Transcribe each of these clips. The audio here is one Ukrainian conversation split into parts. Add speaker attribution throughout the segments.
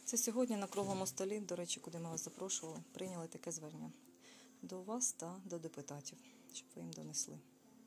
Speaker 1: Це сьогодні на круглому столі, до речі, куди ми вас запрошували, прийняли таке звернення до вас та до депутатів, щоб ви їм донесли.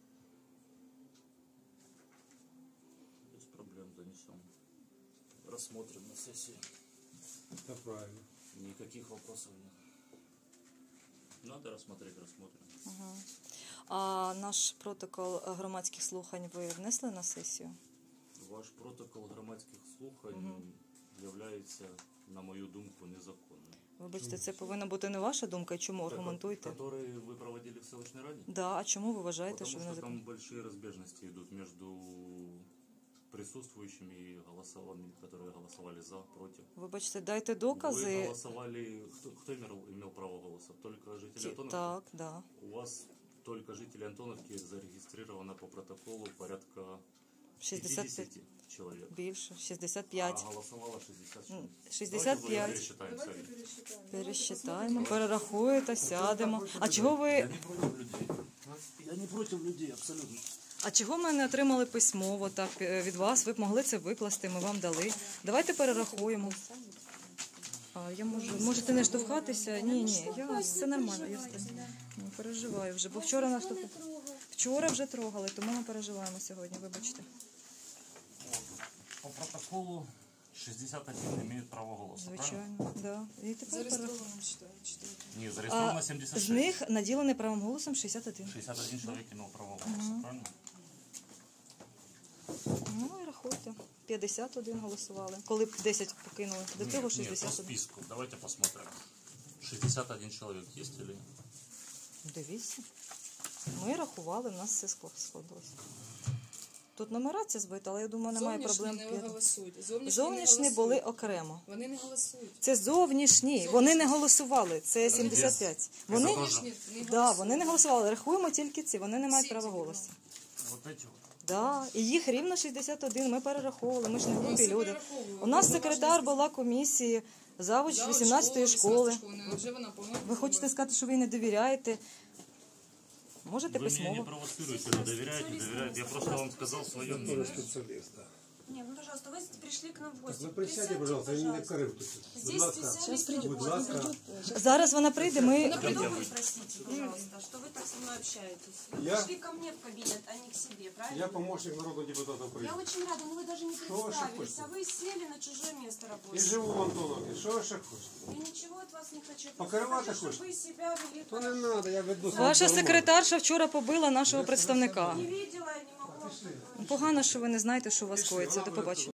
Speaker 2: Без проблем донесем. Рассмотрим на сессии.
Speaker 3: Это правильно.
Speaker 2: Никаких вопросов нет. Надо рассмотреть, рассмотрим.
Speaker 1: Ага. А наш протокол громадських слухань ви внесли на сесію?
Speaker 2: Ваш протокол громадських слухань являється, на мою думку, незаконним.
Speaker 1: Вибачте, це повинна бути не ваша думка, і чому аргументуйте?
Speaker 2: Который ви проводили в селищній раді?
Speaker 1: Да, а чому ви вважаєте, що
Speaker 2: Потому
Speaker 1: він
Speaker 2: что там
Speaker 1: незаконний?
Speaker 2: большие разбежности идут между присутствующими и голосованными, которые голосовали за, против.
Speaker 1: Вибачте, дайте
Speaker 2: Вы
Speaker 1: докази.
Speaker 2: голосовали... Кто имел право голоса? Только жители Антоновки?
Speaker 1: Так, да.
Speaker 2: У вас только жители Антоновки зарегистрировано по протоколу порядка
Speaker 1: 65
Speaker 2: человек.
Speaker 1: більше,
Speaker 2: А
Speaker 1: 65.
Speaker 2: голосовало 60.
Speaker 1: 65.
Speaker 2: Давайте пересчитаем сами.
Speaker 1: Пересчитаємо, перерахуєте, сядемо. А чого ви...
Speaker 2: Я не против людей. Я не против людей, абсолютно.
Speaker 1: А чого ми не отримали письмово так від вас? Ви б могли це викласти, ми вам дали. Давайте перерахуємо. А я можете не штовхатися? Ні, все нормально. Я не переживаю вже, бо вчора нас вчора вже трогали, тому ми переживаємо сьогодні, вибачте.
Speaker 2: По протоколу 61 имеют право голоса, правильно?
Speaker 1: Звичайно, да. І тепер
Speaker 2: Не, зарегистрировано 76.
Speaker 1: з них наділений правом голосом 61.
Speaker 2: 61 человек имел право голоса, правильно?
Speaker 1: Ну і рахуйте. 51 голосували. Коли б 10 покинули. До цього
Speaker 2: Нет, по
Speaker 1: 61.
Speaker 2: списку. Давайте посмотрим. 61 человек есть или нет?
Speaker 1: Дивіться. Ми рахували, в нас все сходилося. Тут нумерація збита, але я думаю, немає проблем.
Speaker 4: Зовнішні не голосують.
Speaker 1: Зовнішні були окремо.
Speaker 4: Вони не голосують.
Speaker 1: Це зовнішні. Вони не голосували. Це 75. Вони,
Speaker 4: Зовнішні не
Speaker 1: да, вони не голосували. Рахуємо тільки ці. Вони не мають
Speaker 4: Всі
Speaker 1: права
Speaker 4: ці
Speaker 1: голосу.
Speaker 2: Вот эти вот.
Speaker 1: Да, і їх рівно 61, ми перераховували, ми ж не глупі
Speaker 4: всі
Speaker 1: люди.
Speaker 4: перераховували.
Speaker 1: У нас
Speaker 4: Ви
Speaker 1: секретар
Speaker 4: уважно
Speaker 1: була комісії, завуч
Speaker 4: Завуч
Speaker 1: 18-ї школи.
Speaker 4: Вже вона повинна.
Speaker 1: Ви хочете сказати, що ви їй не довіряєте? Можете
Speaker 2: Вы меня не
Speaker 1: письмово.
Speaker 2: провоцируете, но доверяете, не доверяете. Я просто вам сказал свое мнение.
Speaker 3: Специалист, да.
Speaker 5: Не, ну пожалуйста, вы пришли к нам в гости.
Speaker 3: Вы присядьте, пожалуйста, и не корывайте.
Speaker 5: Здесь специалист
Speaker 3: Будь ласка.
Speaker 1: Зараз вона прийде, ми...
Speaker 5: Вы простите, пожалуйста, что вы так со мной общаетесь. Вы
Speaker 3: Я-
Speaker 5: пришли ко мне в кабинет, а не к себе, правильно?
Speaker 3: Я помощник народного депутата
Speaker 5: Я
Speaker 3: Украины.
Speaker 5: очень рада, но вы даже не
Speaker 3: Что вы
Speaker 5: представились,
Speaker 3: шепчете?
Speaker 5: а вы сели на чужое место
Speaker 3: И
Speaker 5: рабочее.
Speaker 3: живу в Антоновке. Что вы ще хочете?
Speaker 5: Я ничего от вас не хочу. Я
Speaker 3: Покрывать
Speaker 5: хочу, чтобы
Speaker 3: хочешь?
Speaker 5: вы себя вели
Speaker 3: То не
Speaker 5: хорошо.
Speaker 3: надо, я веду свою
Speaker 1: Ваша
Speaker 3: дорогу.
Speaker 1: секретарша вчора побила нашого представника.
Speaker 5: Не видела, я не могу.
Speaker 1: Погано, що ви не знаєте, що у вас коїться. До побачення.